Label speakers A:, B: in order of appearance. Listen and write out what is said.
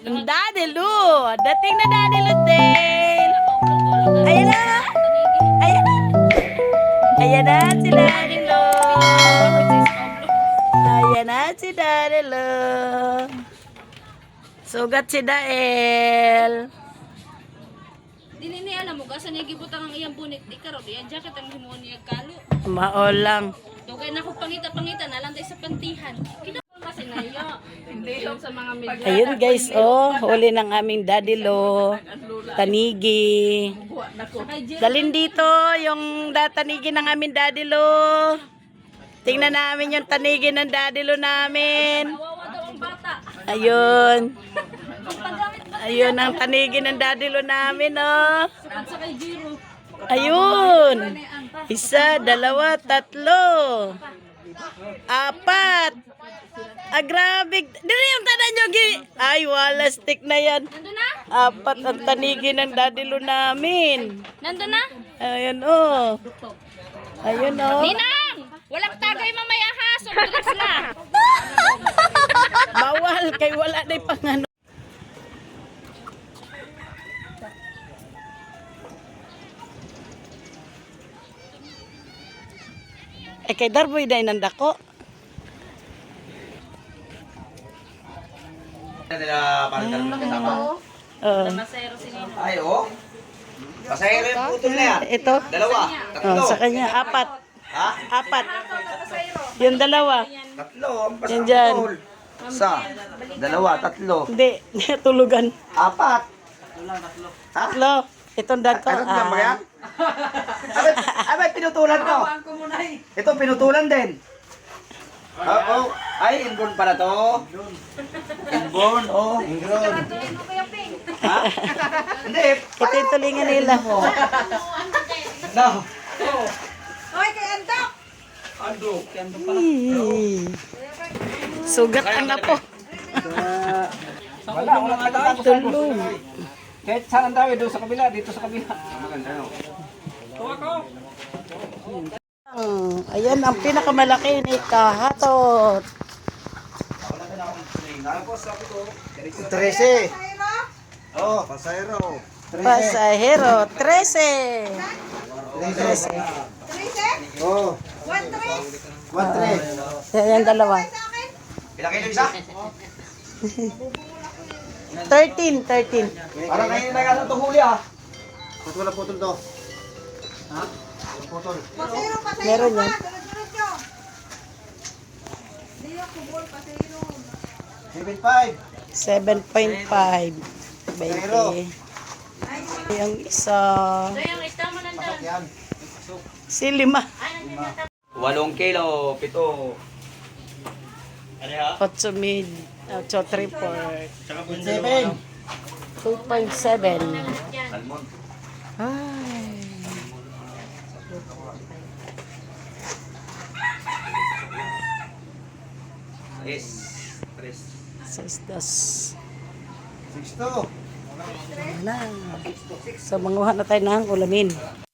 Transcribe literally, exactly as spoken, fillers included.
A: Daddy Lu. Dating na Daddy Lu din. Ayan na. Ayan na. Ayan na si Daddy Lu. Ayan na si Daddy Lu. Sugat si Dael.
B: Dili ni alam mo gasa niya gibutang ang iyang bunit di karon iyang jacket ang himuon niya kalo.
A: Maol lang.
B: Dugay na ko pangita-pangita na lang tay sa pantihan. Kinapon kasi na iyo. Hindi yung sa mga media.
A: Ayun guys, oh, huli ng aming Daddy Lo. Tanigi. Dalhin dito yung da- tanigi ng aming Daddy Lo. Tingnan namin yung tanigi ng Daddy Lo namin.
B: Kawawa daw ang bata.
A: Ayun.
B: Paggamit ba
A: Ayun ang tanigi ng Daddy Lo namin, oh.
B: sa kay Jiro?
A: Ayun. Isa, dalawa, tatlo. Apat. Ah, grabe. Dili yung tanan nyo, gi. Ay, wala stick na yan.
B: Nandun na?
A: Apat ang tanigi ng Daddy Lo namin.
B: Nandun na?
A: Ayun, oh. Ayun, oh.
B: Ninang! Walang tagay mamaya ha. So, bilis na.
A: Bawal, kay wala na pang ano. Eh, kay Darboy na inandako.
C: Nila parang dalawa na kasama.
A: Oh.
B: Masero si Nino.
C: Ay, oh. Pasahero yung putol na yan.
A: Ito.
C: Dalawa. Tatlo.
A: Oh, sa kanya, apat.
C: Ha?
A: Apat. Yung dalawa.
C: Tatlo. Ang
A: Yan dyan.
C: pasahero. Isa. Dalawa. Tatlo.
A: Hindi, tulugan.
C: Apat. Ha?
A: Tatlo. Itong dagko.
C: Ano lang ba yan?
A: Ah.
C: Abay, abay, pinutulan ko. Ito, pinutulan din. Oh, oh. Ay, inborn pala to. Inborn, oh. Inborn. Ha? Hindi.
A: Ito yung tulingan nila.
C: No.
A: Ih. Sugat ang apo.
C: Wala, wala ka
A: Tulong.
C: Kahit saan ang dawi, doon sa kabila, dito sa kabila.
A: Hmm, ayan ang pinakamalaki ni Kahatot.
C: Trece. Oh, pasahero.
A: Pasahero, trese. Trese.
C: Oh. One three.
A: Ayan dalawa.
C: Ilang kilo isa?
A: Thirteen, thirteen.
C: Parang kayo na gano'n itong huli ah. Ba't wala putol to? Ha? Walang putol.
A: Meron yan.
C: seven five.
A: seven point five. twenty. Yung isa.
B: So, yung ista mo nandun.
C: Yan.
A: Si lima.
C: Walong kilo, pito. Ano ha?
A: Otso mid. Otso report.
C: Seven.
A: two point seven.
C: Salmon.
A: Ay.
C: Yes. Tres.
A: Six dos.
C: Six to.
A: Na. So, manguha na tayo ng ulamin.